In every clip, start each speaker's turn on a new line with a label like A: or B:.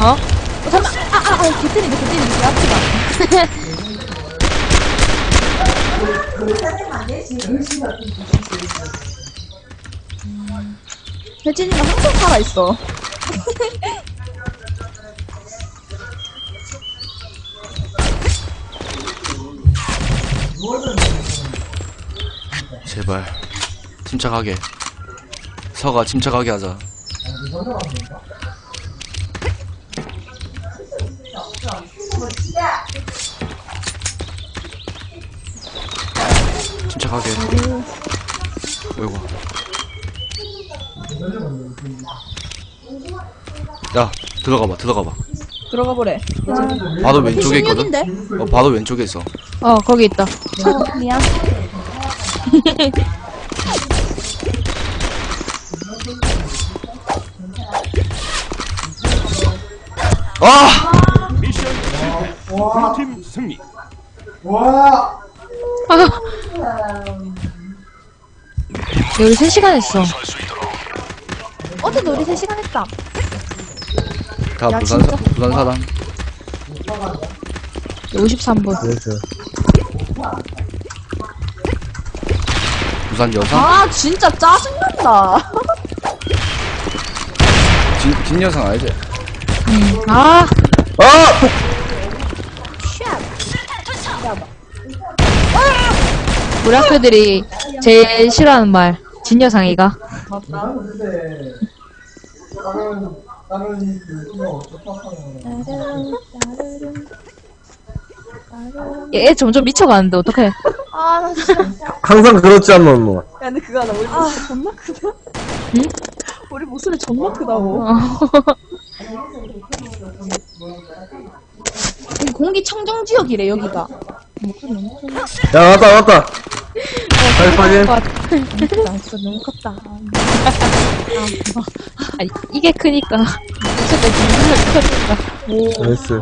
A: 어? 잠깐만. 개뜨린다. 개 앞치가. 혜진이가 항상 살아있어.
B: 제발 침착하게. 서가 침착하게 하자. 침착하게. 어이구. 야, 들어가봐.
A: 들어가 보래.
B: 바로 왼쪽에 있거든?
A: 16인데?
B: 바로 왼쪽에 있어.
A: 거기 있다. 미안.
B: 아!
C: 미션 실패. 블루팀 승리.
A: 우리 3시간 했어. 어제도 우리 3시간 했다.
B: 다
A: 야,
B: 부산
A: 진짜?
B: 사람.
A: 53분.
D: 그렇죠.
B: 부산 여성?
A: 아, 진짜 짜증난다.
B: 진 여성 알지?
A: 아, 우리 학교들이 제일 싫어하는 말. 진여상이가. 얘 점점 미쳐가는데 어떡해. 아, 나 진짜.
D: 항상 그렇지 않나, 뭐.
A: 야, 근데 그거 하나, 우리 목소리 존나 크다? 응? 우리 목소리 존나 크다고. 공기 청정 지역이래, 여기가. 목소리 너무 크다.
D: 야, 왔다. 빨리.
A: 진짜 너무 컸다. 아니, 이게 크니까. 목소리가 크니까.
D: 나이스.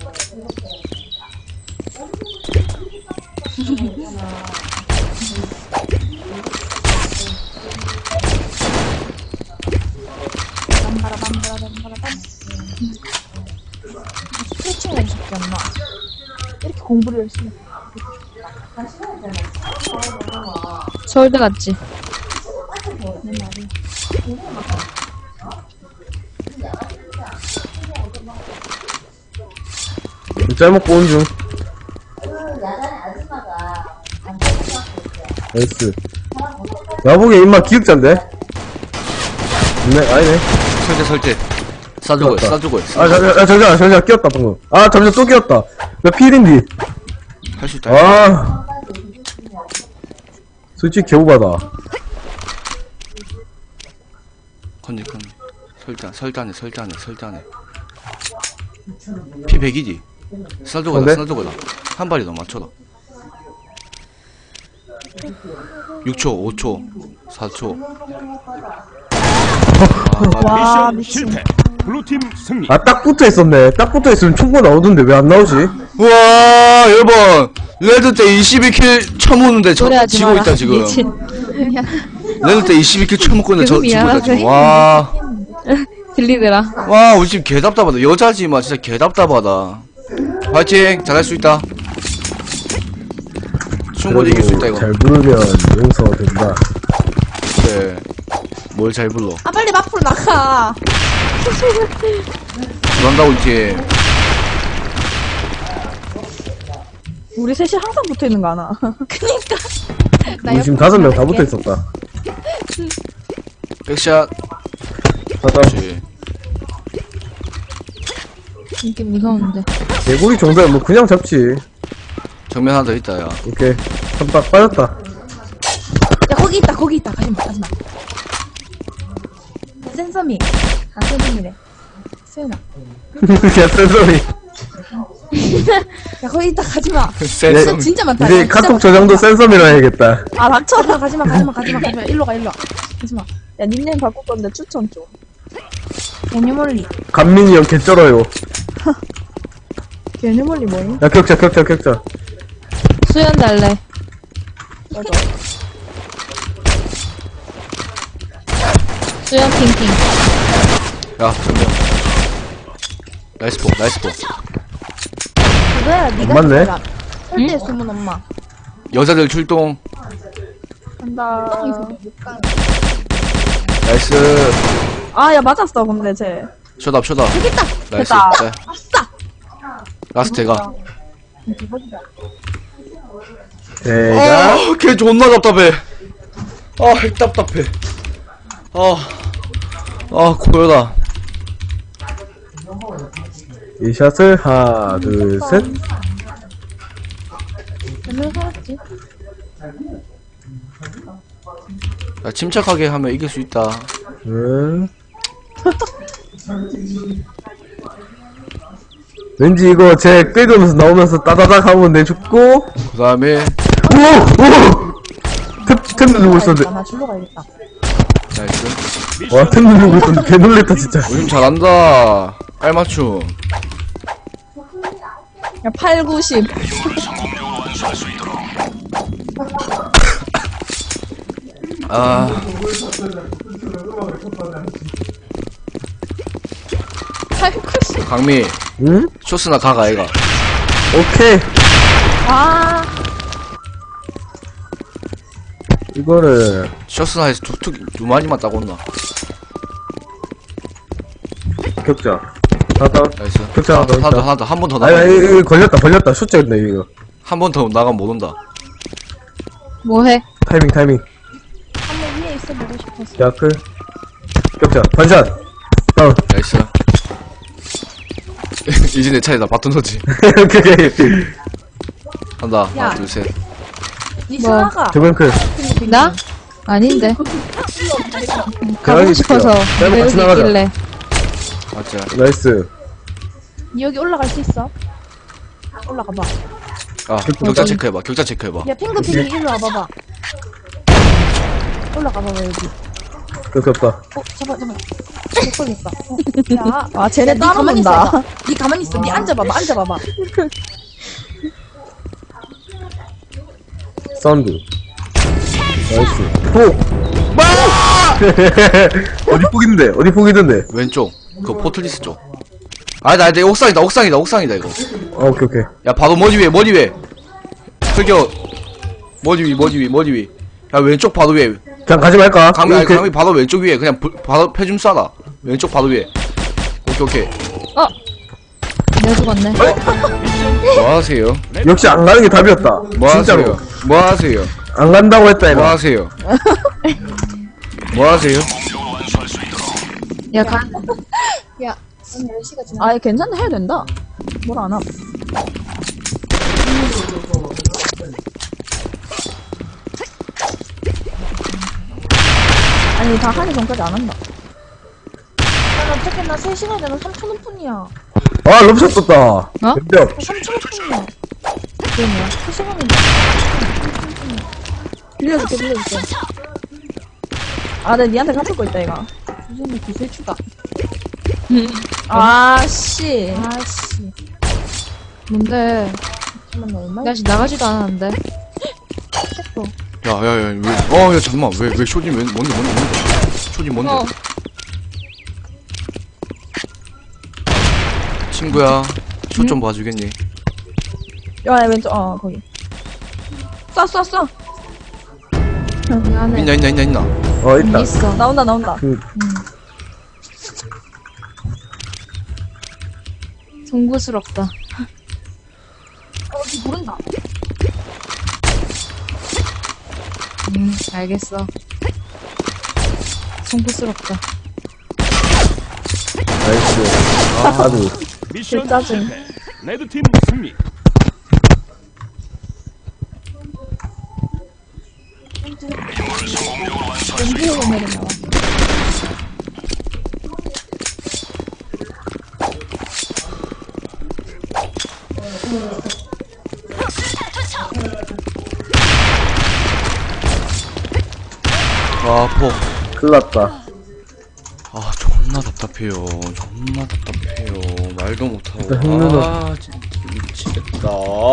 A: 스트레칭을 해주셨지 않나? 이렇게 공부를 열심히. 서울대 갔지.
D: 짤 먹고 온 중. 나이스. 야보게 임마 기획자인데? 네, 아니네.
B: 설대. 싸주고
D: 맞다.
B: 싸주고.
D: 잠시만, 끼었다, 방금. 아, 잠시만, 또 끼었다. 나 필인디.
B: 할 수 있다.
D: 아. 솔직히 개우바다.
B: 컨디. 설단해. 피 100이지?
D: 근데?
B: 싸주고다. 한 발이 더 맞춰라. 6초, 5초, 4초.
C: 아, 미션 실패. 블루팀 승리.
D: 아, 딱 붙어 있었네. 딱 붙어 있으면 충분 나오던데 왜 안 나오지?
B: 우와, 여러분. 레드 때 22킬 쳐먹는데
A: 노래하지
B: 지고
A: 마라.
B: 있다, 지금.
A: 미친.
B: 레드 때 22킬 쳐먹고 있는데 지고 있다, 지금. 와.
A: 들리더라.
B: 와, 우리 지금 개답답하다. 여자지만 진짜 개답답하다. 화이팅! 잘할 수 있다. 충분히 이길 수 있다, 이거.
D: 잘 부르면 용서된다.
B: 그래. 뭘 잘 불러.
A: 아, 빨리 앞으로 나가.
B: 그런다고 이제.
A: 우리 셋이 항상 붙어 있는 거 아나? 그니까.
D: 우리 지금 5명 다 붙어 있었다.
B: 백샷.
D: 맞다.
B: 그렇지.
A: 이게 무서운데.
D: 개구리 정도야 뭐 그냥 잡지.
B: 정면 하나 더 있다, 야.
D: 오케이. 한박 빠졌다.
A: 야, 거기 있다. 가지마. 센서미. 아, 센서미래. 수연아.
D: 개센소리.
A: 야, 거기 있다. 가지마.
B: 센서.
A: 진짜 많다.
D: 이제
A: 야,
D: 카톡 저장도 센서미라 해야겠다.
A: 아, 닥쳐. 가지마. 일로 가. 가지마. 야, 닉네임 바꿀 건데 추천 좀. 개뉴멀리.
D: 간민이 형 개쩔어요.
A: 개뉴멀리 뭐임?
D: 야, 격자.
A: 수연 달래. 맞아. 수연 핑핑.
B: 야, 정면. 나이스 포, 나이스 포.
A: 그거야, 니가
D: 맞네.
A: 해라. 절대 숨은 엄마.
B: 여자들 출동.
A: 간다.
B: 나이스.
A: 아, 야, 맞았어, 근데 쟤.
B: 쇼답, 쇼답.
A: 되겠다.
B: 나이스.
A: 됐다.
B: 네.
A: 아싸!
B: 라스트가.
D: 대가.
B: 걔 존나 답답해. 핵 답답해. 고요다.
D: 이 샷을 하나, 둘, 셋.
A: 몇명 살았지?
B: 야, 침착하게 하면 이길 수 있다.
D: 왠지 이거 제 긁으면서 나오면서 따다닥 하면 내 죽고.
B: 그 다음에,
D: 오! 템 누르고 있었는데.
A: 나 줄로 가야겠다.
B: 나이스.
D: 와, 템 누르고 있었는데 개 놀랬다, 진짜.
B: 요즘 잘한다. 깔맞춤.
A: 야, 8, 90.
B: 아,
A: 8, 90.
B: 강미,
D: 응?
B: 쇼스나 가가, 얘가.
D: 오케이.
A: 아,
D: 이거를.
B: 쇼스나 해서 두 마리만 따고 온나.
D: 격자. 하나,
B: 나이스.
D: 격자 하나 더.
B: 하나 더, 한 번 더
D: 아니,
B: 나가.
D: 이거 걸렸다. 숫자였네, 이거.
B: 한 번 더 나가면 못 온다.
A: 뭐해?
D: 타이밍.
A: 한번 위에 있어 보고 싶었어.
D: 야클. 격자. 반샷. 다운.
B: 나이스. 이제 내 차례다. 바톤 넣지.
D: 오케이.
B: 한다.
A: 야.
B: 하나, 둘, 셋.
A: 니 스나가.
D: 저번클.
E: 나? 아닌데.
D: 대박이
E: 가고 싶어서
D: 짧아,
E: 왜
D: 같이
E: 여기
D: 나가자.
E: 있길래.
B: 맞자.
D: 나이스.
A: 니 여기 올라갈 수 있어? 올라가 봐.
B: 격자 체크해봐. 격자 체크해봐.
A: 야, 핑크핑크 일로 와봐봐. 올라가 봐봐, 여기.
D: 그렇게 없다.
A: 잠깐만. 못 걸렸다. 야, 아, 쟤네
E: 니
A: 따로
E: 가만히
A: 논다. 니 가만히 있어. 니 앉아봐봐, 앉아봐봐.
D: 사운드. 나이스. 폭! 어디 폭이던데?
B: 왼쪽. 그 포틀리스 쪽. 나 옥상이다, 이거.
D: 오케이.
B: 야, 바로 머리 위에. 저기요. 머리 위. 야, 왼쪽 바로 위에.
D: 그냥 가지 말까?
B: 강미 바로 왼쪽 위에. 그냥 바로 패줌 쏴라. 왼쪽 바로 위에. 오케이.
E: 내가 죽었네.
B: 뭐 하세요?
D: 역시 안 가는 게 답이었다.
B: 뭐
D: 진짜로.
B: 하세요? 뭐 하세요?
D: 안 간다고 했다,
B: 뭐
D: 이거.
B: 하세요? 뭐 하세요?
E: 야, 가.
A: 아, 괜찮다. 해야 된다. 뭘 안 함. 아니, 다 하기 전까지 안 한다. 야, 어떡해. 나 3시간 전에 3,000원 뿐이야.
D: 아, 럽샷 떴다.
E: 어?
D: 몇
A: 3,000원 뿐이야. 그게 뭐야? 3시간인데. 빌려줄게. 아, 내가 니한테 갚을 거 있다, 이거. 무슨 기술 추가. 아씨.
E: 뭔데?
A: 잠깐만, 나 얼마?
E: 나 아직 나가지도 않았는데.
B: 야, 야, 잠깐만. 왜 쇼진 뭔데? 쇼진 뭔데? 친구야, 쇼 좀 봐주겠니?
A: 야, 왼쪽, 거기. 쏴.
E: 미안해.
B: 있나?
D: 있다.
E: 있어.
A: 나온다.
E: 송구스럽다.
A: 모른다.
E: 알겠어. 송구스럽다.
D: 나이스. 아주.
C: 미션
A: 짜증.
C: 실패. 레드팀 승리.
A: 연기로 보내는 나와.
B: 포.
D: 큰일났다.
B: 존나 답답해요. 말도 못하고.
D: 일단 흑면허.
B: 진짜 미치겠다.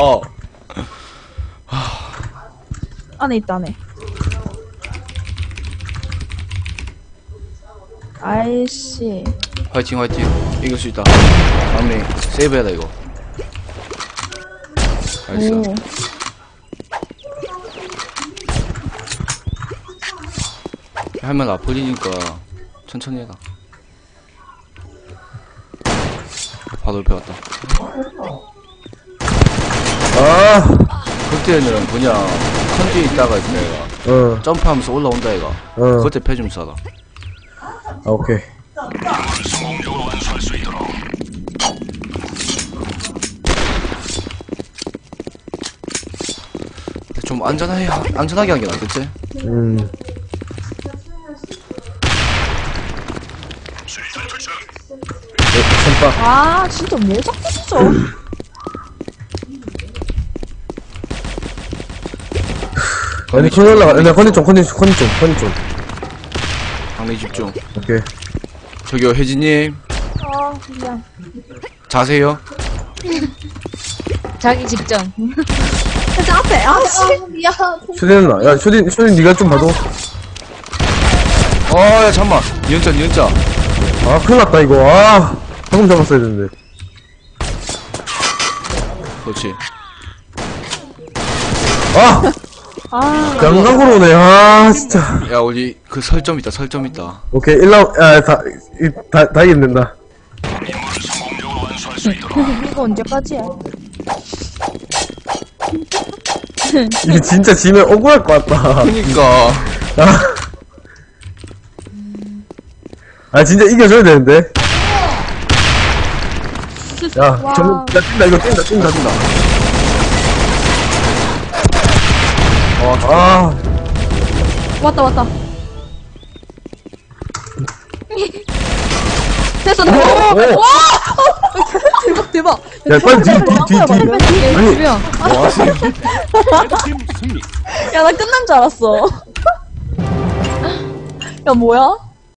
A: 안에 있다, 안에. 아이씨.
B: 화이팅 화이팅. 이길 수 있다. 막내 세이브해라 이거. 나이스.
A: 오.
B: 할만 아프리니까 천천히 해라. 바로 옆에 왔다.
D: 아,
B: 그때는 그냥 컨디에 있다가 내가 점프하면서 올라온다 얘가. 그때 패좀 쏴라.
D: 아, 오케이.
B: 좀 안전하게 한 게 낫겠지?
D: 선박.
A: 아, 진짜 왜 자꾸 진짜.
D: 아니, 컨디 올라가. 나 컨디 좀.
B: 강내 집중.
D: 오케이.
B: 저기요 혜진님
A: 아, 미안.
B: 자세요.
E: 자기 직전.
A: 살짝 앞에. 아, 씨. 미안.
D: 쇼딘 나. 야, 쇼딘 니가 좀 봐도.
B: 야 잠만. 니은자.
D: 아, 큰일 났다, 이거. 아, 방금 잡았어야 되는데.
B: 그렇지.
D: 아!
A: 아,
D: 양각으로 오네. 아, 진짜.
B: 야 우리 그 설정 있다.
D: 오케이, 1라운드, 야, 다 이긴다.
A: 이거 언제까지야?
D: 이게 진짜 지면 억울할 것 같다.
B: 그니까.
D: 아, 진짜 이겨줘야 되는데. 야,
A: 와.
D: 야, 뛴다, 이거 뛴다. 아,
A: 왔다. 됐어, 나.
D: 오.
A: 대박.
D: 야, 빨리 뒤. 아니,
E: 두 명.
C: 레드팀 승리.
A: 야, 나 끝난 줄 알았어. 야, 뭐야?